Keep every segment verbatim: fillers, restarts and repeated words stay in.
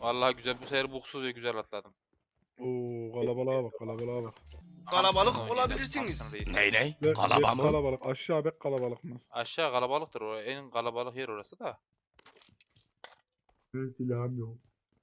Vallahi güzel, bu sefer buksuz ve güzel atladım. Oo kalabalığa bak kalabalığa bak. Kalabalık Thompson oynayacağım, olabilirsiniz. Thompson reis. Ney ney? Ve, Kalaba bek mı? kalabalık aşağı bek kalabalık mı? Aşağı kalabalıktır o. En kalabalık yer orası da. Benim silahım yok.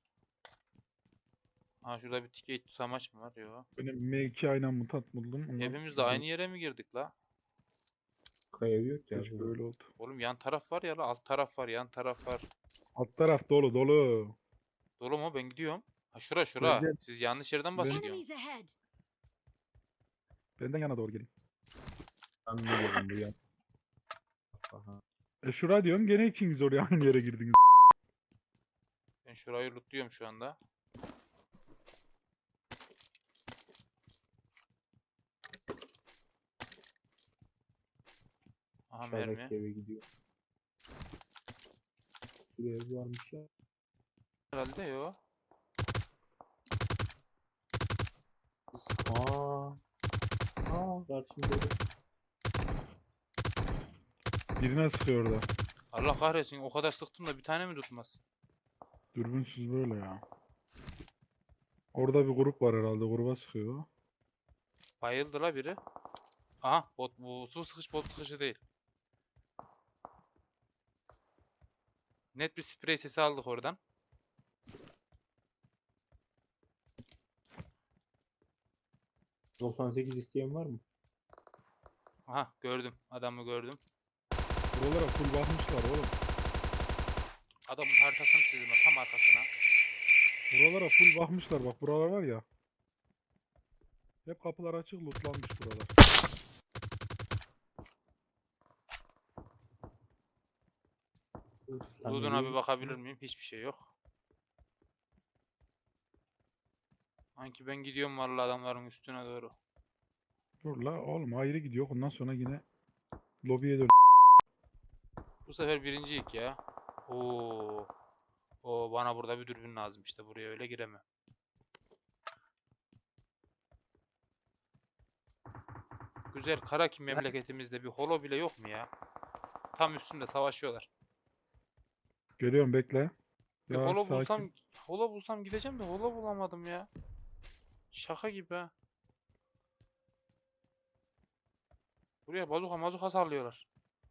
Ha şurada bir ticket tutamaç mı var? Yok. Benim M iki aynen mutant buldum. Ondan Hepimiz de aynı yere mi girdik la? Kaya yok ya. Keşke öyle oldu. Oğlum yan taraf var ya la, alt taraf var, yan taraf var. Alt taraf dolu dolu. Dolu mu? Ben gidiyorum. Ha şura şura. Gel, gel. Siz yanlış yerden Ben- bahsediyorsunuz. Enemies ahead. Benden yana doğru gelin. Ben biliyorum bu yan. Aha. E şura diyorum gene ikiniz oraya aynı yere girdiniz. Ben şurayı lootluyorum şu anda. Aha mermi. Aşağıdaki eve gidiyor. Bir ev varmış ya. Herhalde yok. Aa. Aa. Karşımda. Birine sıkıyor orada. Allah kahretsin, o kadar sıktım da bir tane mi tutmaz? Dürbünsüz böyle ya. Orada bir grup var herhalde. Gruba sıkıyor. Bayıldı la biri. Aha bot, bu su sıkış bot sıkışı değil. Net bir sprey sesi aldık oradan. doksan sekiz isteyen var mı? Aha gördüm, adamı gördüm. Buralara full bakmışlar oğlum. Adamın haritasını çizdim ben, tam arkasına. Buralara full bakmışlar. Bak buralar var ya. Hep kapılar açık lootlanmış buralar. Loot'una bir bakabilir miyim? Hiçbir şey yok. Sanki ben gidiyorum vallahi adamların üstüne doğru. Dur la oğlum ayrı gidiyor. Ondan sonra yine lobiye dön. Bu sefer birinciyik ya. Oo. O bana burada bir dürbün lazım işte, buraya öyle giremem. Güzel Karaki memleketimizde bir holo bile yok mu ya? Tam üstünde savaşıyorlar. Geliyorum bekle. Bir Ya holo sakin. bulsam, holo bulsam gideceğim de holo bulamadım ya. Şaka gibi ha. Buraya bazuka mazuka sallıyorlar.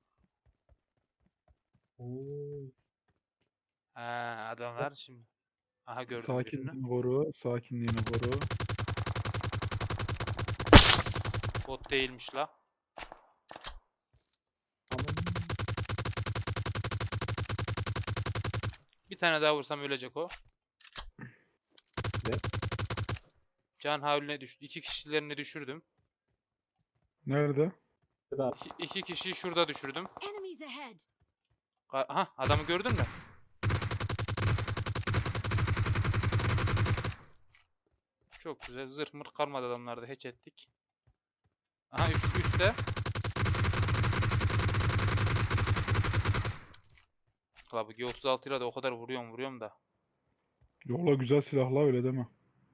Oo. Ha adamlar şimdi. Aha gördüm birini. Sakinliğini koru. Sakinliğini koru. Bot değilmiş la. Aman. Bir tane daha vursam ölecek o. Ne? Can havline düştü. İki kişilerini düşürdüm. Nerede? Da İki, iki kişiyi şurada düşürdüm. Enemies ahead. Ka- Aha adamı gördün mü? Çok güzel. Zırh mırh kalmadı adamlarda. Hatch ettik. Aha üst, üstte. La bu G otuz altı ile de o kadar vuruyorum vuruyorum da. Yola güzel silahla öyle deme.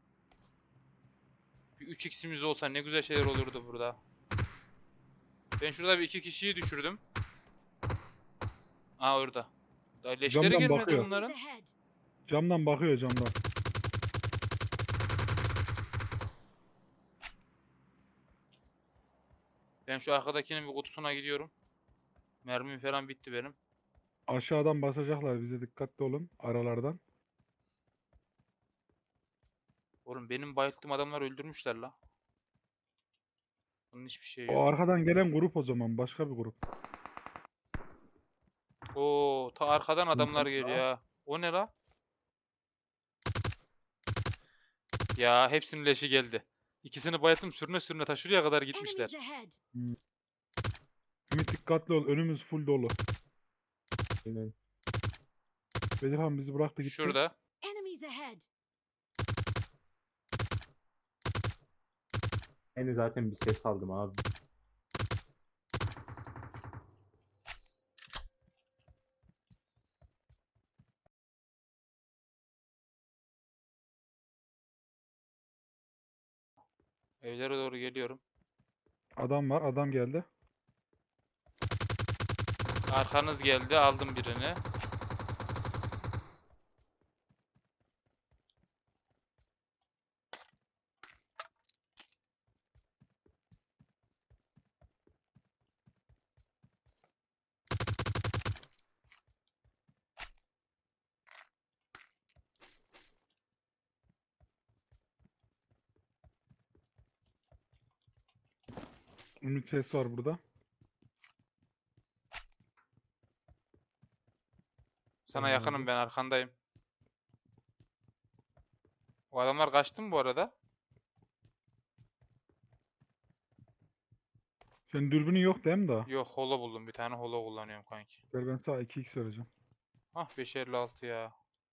Bir üç x'imiz olsa ne güzel şeyler olurdu burada. Ben şurada bir iki kişiyi düşürdüm. Aa orada. Daha leşleri Camdan gelmedi bakıyor. bunların. Enemies ahead. Camdan bakıyor camdan. Ben şu arkadakinin bir kutusuna gidiyorum. Mermim falan bitti benim. Aşağıdan basacaklar bize dikkatli olun aralardan. Oğlum benim bayılttığım adamlar öldürmüşler la. Bunun hiçbir şeyi O yok. arkadan gelen grup o zaman başka bir grup. Oo, ta arkadan adamlar geliyor ya. O ne la? Ya hepsinin leşi geldi. İkisini bayılttım, sürüne sürüne ta şuraya kadar gitmişler. Enemies ahead. Ümit dikkatli ol önümüz full dolu. aynen. Bedirhan bizi bıraktı gitti. Şurada. Enemies ahead. Ben zaten bir ses aldım abi. Evlere doğru geliyorum. Adam var adam geldi. Arkanız geldi, aldım birini. Ümit ses var burada. Sana Tamam yakınım abi. ben arkandayım. O adamlar kaçtı mı bu arada? Senin dürbünün yok değil mi daha? Yok holo buldum bir tane holo kullanıyorum kanki. Gel ben sana iki x vereceğim. Ah beş elli altı ya.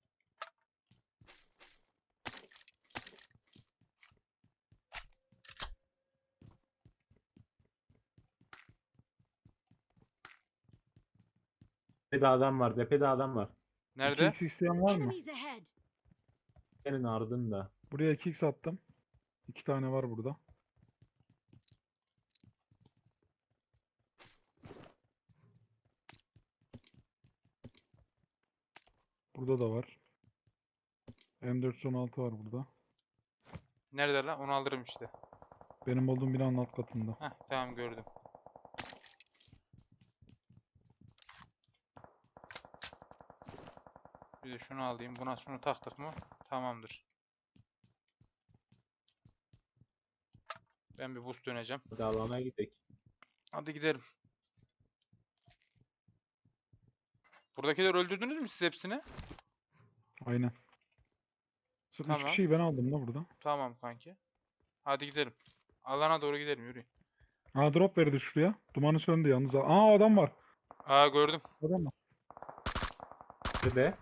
Tepede adam var. Tepede adam var. Nerede? iki x isteyen var mı? Enemies ahead. Senin ardında. Buraya iki x attım. iki tane var burada. Burada da var. M dört yüz on altı var burada. Nerede lan? Onu alırım işte. Benim olduğum binanın alt katında. Heh tamam gördüm. Bir de şunu alayım. Buna şunu taktık mı? Tamamdır. Ben bir boost döneceğim. Hadi alana gidelim. Hadi gidelim. Buradakileri öldürdünüz mü siz hepsini? Aynen. Sırf üç Tamam. kişiyi ben aldım da burada. Tamam kanki. Hadi gidelim. Alana doğru gidelim yürüyün. Aa drop verdi şuraya. Dumanı söndü yalnız. Aa adam var. Aa gördüm. Adam var. Tepede.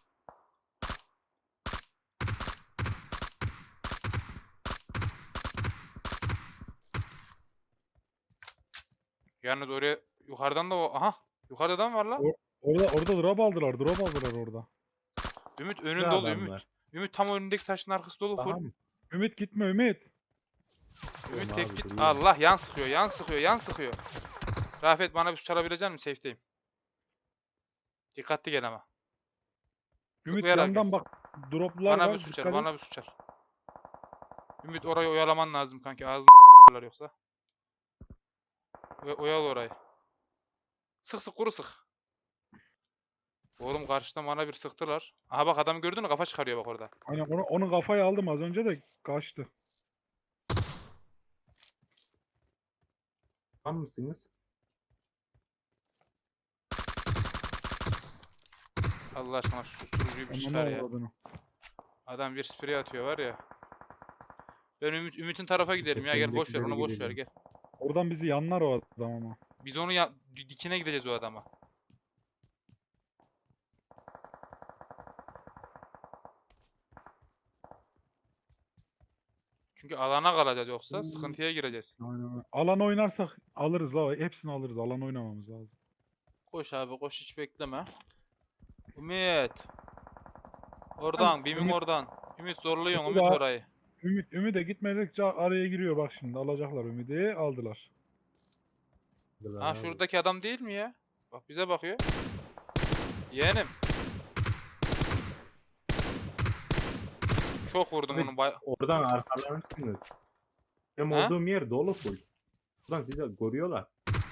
Yalnız oraya yukarıdan da o. Aha. Yukarıda adam var lan. O- Orada orada drop aldılar. Drop aldılar orada. Ümit Ne önün dolu adam Ümit. var? Ümit tam önündeki taşın arkası dolu Daha full. mı? Ümit gitme Ümit. Ümit Tamam tek abi, git. duruyorum. Allah yan sıkıyor yan sıkıyor yan sıkıyor. Rafet bana bir su çalabilecek misin? Safe'deyim. Dikkatli gel ama. Ümit Zıplayarak yandan gel. bak. Droplar Bana var. bir su çal dikkat et. bana bir su çal. Ümit orayı oyalaman lazım kanki. Ağzını yoksa. Ve oyal orayı. Sık sık kuru sık. Oğlum karşıdan bana bir sıktılar. Aha bak adamı gördün mü? Kafa çıkarıyor bak orada. Aynen onu, onu kafaya aldım az önce de kaçtı. Tamam mısınız? Allah aşkına şu susturucuyu bir Ananı çıkar ya. avradını. Adam bir sprey atıyor var ya. Ben Ümit, Ümit'in tarafa gidelim ya gel boş ver onu Öndekileri boş ver gidelim. gel. Oradan bizi yanlar o adam ama. Biz onu ya dikine gideceğiz o adama. Çünkü alana kalacağız yoksa Hmm. sıkıntıya gireceğiz. Aynen öyle. Alan oynarsak alırız la. Hepsini alırız. Alan oynamamız lazım. Koş abi koş hiç bekleme. Ümit. Oradan, Bim'in Ümit- oradan. Ümit zorluyorsun Ümit Ümit abi. orayı. Ümit Ümit'e gitmedikçe araya giriyor bak şimdi. Alacaklar Ümit'i. Aldılar. Hadi Ha abi. şuradaki adam değil mi ya? Bak bize bakıyor. Yeğenim. Çok vurdum Abi, onu bay... Oradan arkalanırsınız. Benim Ha? olduğum yer dolu full. Buradan sizi koruyorlar.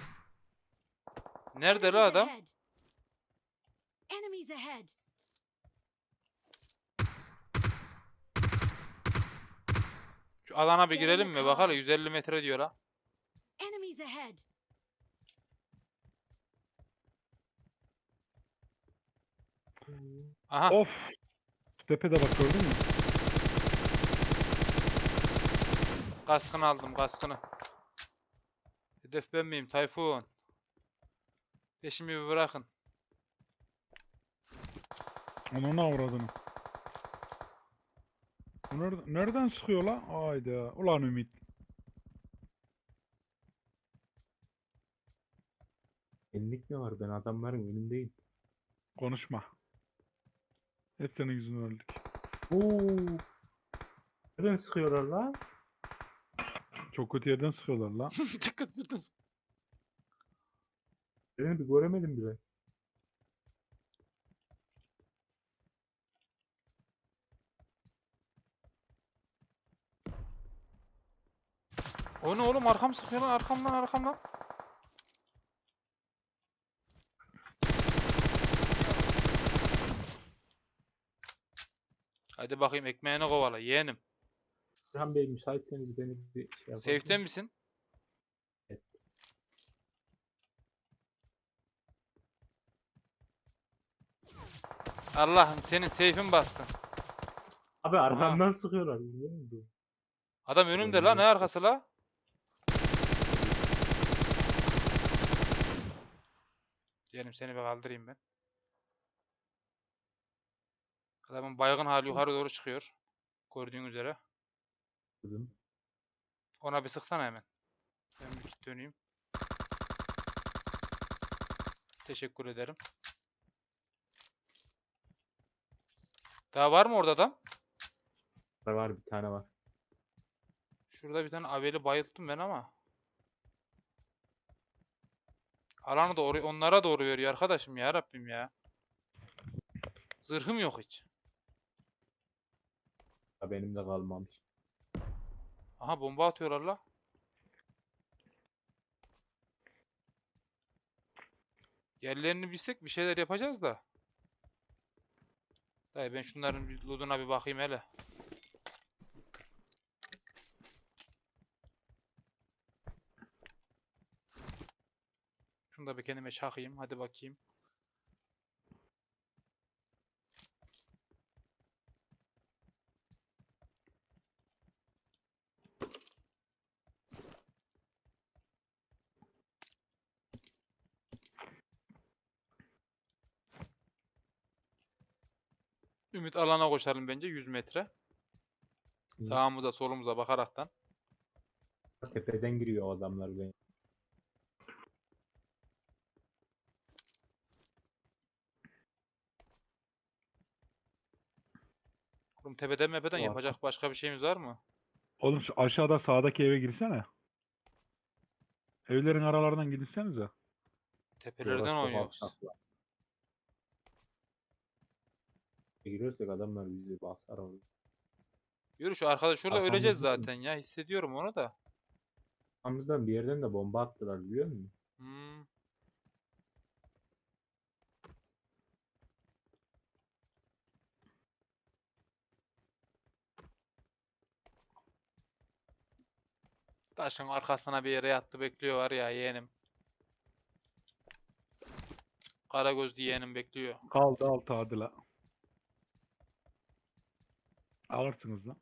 Nerede la Enemies adam? ahead. Enemies ahead. Şu alana bir Get in girelim the mi? Bak hala car. yüz elli metre diyor ha. Enemies ahead. Aha. Of. Tepede bak gördün mü? Kaskını aldım kaskını. Hedef ben miyim Tayfun? Peşimi bir bırakın. Onun avradını. Bu nereden, nereden sıkıyor lan? Hayda. Ulan Ümit. Enlik mi var? Ben adamların önündeyim. Konuşma. Hep senin yüzünden öldük. Oo. Nereden sıkıyorlar lan? Çok kötü yerden sıkıyorlar lan. Çıkıttınız. Birini bir göremedim bile. O ne oğlum arkam sıkıyor lan arkamdan arkamdan. Hadi bakayım ekmeğini kovala yeğenim. Burhan Bey müsaitseniz beni bir şey yapalım. Safe'te misin? Evet. Allah'ım senin seyfin bassın. Abi arkamdan sıkıyorlar. Biliyor musun? Adam önümde la, ne arkası la? Diyelim seni bir kaldırayım ben. Adamın baygın hali yukarı doğru çıkıyor. Gördüğün üzere. Kızım. Ona bir sıksana hemen. Ben bir git döneyim. Teşekkür ederim. Daha var mı orada adam? Var var bir tane var. Şurada bir tane aveli bayılttım ben ama. Alanı da oraya, onlara doğru veriyor arkadaşım ya Rabbim ya. Zırhım yok hiç. Ha, benim de kalmamış. Aha bomba atıyorlar la. Yerlerini bilsek bir şeyler yapacağız da. Dayı ben şunların bir lootuna bir bakayım hele. Şunu da bir kendime çakayım. Hadi bakayım. Ümit alana koşalım bence yüz metre. Hı. Sağımıza solumuza bakaraktan. Tepeden giriyor o adamlar benim. Oğlum tepeden mepeden Var. yapacak başka bir şeyimiz var mı? Oğlum şu aşağıda sağdaki eve girsene. Evlerin aralarından girsenize. Tepelerden Orası çok oynuyoruz. alçaklar. Girirsek adamlar bizi basar orada. Yürü şu arkada şurada Arkamızda öleceğiz mı? zaten ya. Hissediyorum onu da. Arkamızdan bir yerden de bomba attılar biliyor musun? Hmm. Taşın arkasına bir yere yattı bekliyor var ya yeğenim. Karagözlü yeğenim bekliyor. Kaldı altı hadi la. Alırsınız lan.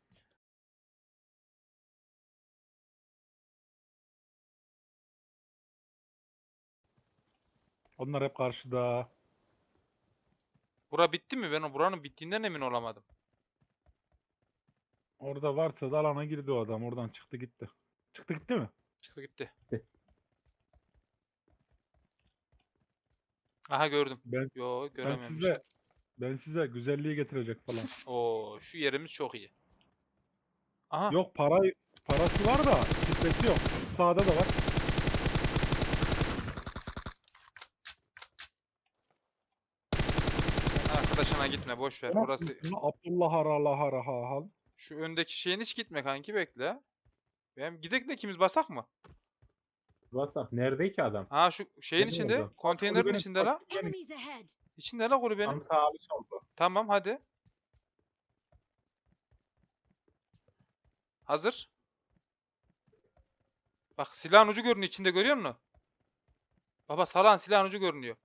Onlar hep karşıda. Bura bitti mi? Ben o buranın bittiğinden emin olamadım. Orada varsa da alana girdi o adam. Oradan çıktı gitti. Çıktı gitti mi? Çıktı gitti. Gitti. Aha gördüm. Ben Yo ben görememişim. size ben size güzelliği getirecek falan. Oo şu yerimiz çok iyi. Aha. Yok para parası var da kitlesi yok. Sağda da var. Sen arkadaşına gitme boş ver. Orası Abdullah Harala Haraha. şu öndeki şeyin hiç gitme kanki bekle. Ben gidek de ikimiz basak mı? WhatsApp nerede ki adam? Ha şu şeyin Benim içinde, oldu. konteynerin Kulübenin içinde la. Enemies ahead. İçinde la kulübenin. Tam sağ bir solda. Tamam hadi. Hazır. Bak silahın ucu görünüyor içinde görüyor musun? Baba salan silahın ucu görünüyor.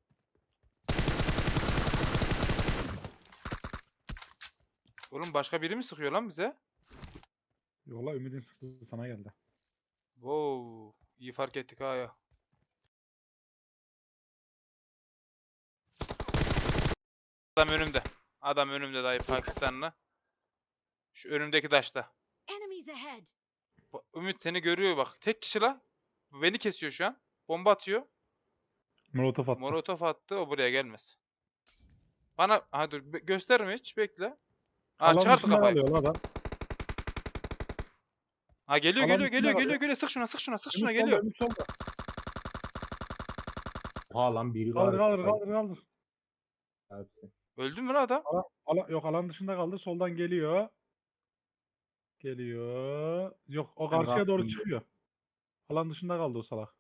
Oğlum başka biri mi sıkıyor lan bize? Yola Ümid'in sıktığı sana geldi. Wow, iyi fark ettik ha ya. Adam önümde. Adam önümde dayı Pakistanlı. Şu önümdeki taşta. Enemies ahead. Ba- Ümit seni görüyor bak. Tek kişi la. Beni kesiyor şu an. Bomba atıyor. Molotof attı. Molotof attı. O buraya gelmez. Bana ha dur be- gösterme hiç bekle. Ha Alan çıkarttı dışında kafayı. kalıyor lan adam. Ha geliyor Alan geliyor dışında geliyor kalıyor. geliyor geliyor. Sık şuna sık şuna sık şuna Ümit solda, geliyor. Ümit solda. Oha lan biri Kaldır var. kaldır kaldır kaldır. Hepsi. Öldü mü lan adam? Alan, alan, yok alan dışında kaldı. Soldan geliyor. Geliyor. Yok o Ben karşıya doğru rahatım. çıkıyor. Alan dışında kaldı o salak.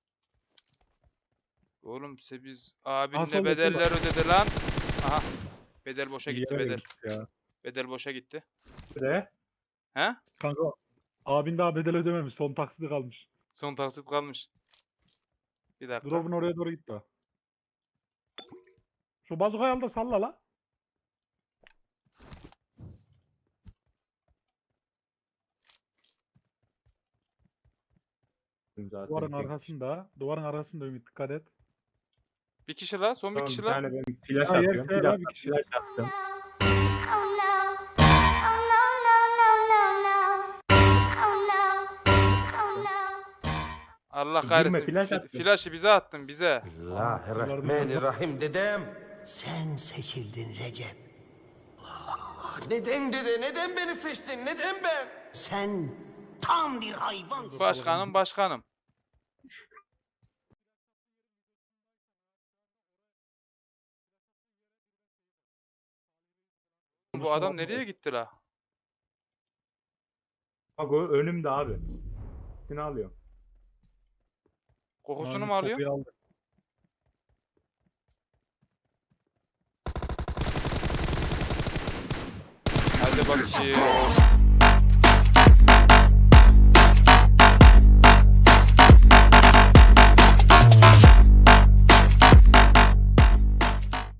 Oğlum size biz Ha, abinle solda, bedeller ödedi lan. Aha. Bedel boşa İyi gitti yere bedel. gittik ya. Bedel boşa gitti. Nerede? He? Kanka abin daha bedel ödememiş. Son taksidi kalmış. Son taksit kalmış. Bir dakika. Drop'un oraya doğru gitti o. Şu bazukayı al da salla la. attım zaten. Duvarın tek. arkasında. Duvarın arkasında Ümit dikkat et. Bir kişi la. Son bir Tamam, kişi bir la. tane ben flash Hayır, atıyorum. şey Bir var, dakika bir kişi. flash attım. Oh no. Oh no, no, no, no, no. Oh no. Oh no. Allah Girme, kahretsin. flash Fi- attım. Flash'ı bize attın bize. Bismillahirrahmanirrahim dedem. Sen seçildin Recep. Neden dede? Neden beni seçtin? Neden ben? Sen tam bir hayvansın. Başkanım başkanım. Bu adam nereye gitti la? Bak o önümde abi. Seni alıyor. Kokusunu Ümit mu alıyor? kapıyı aldı. Hadi bakayım.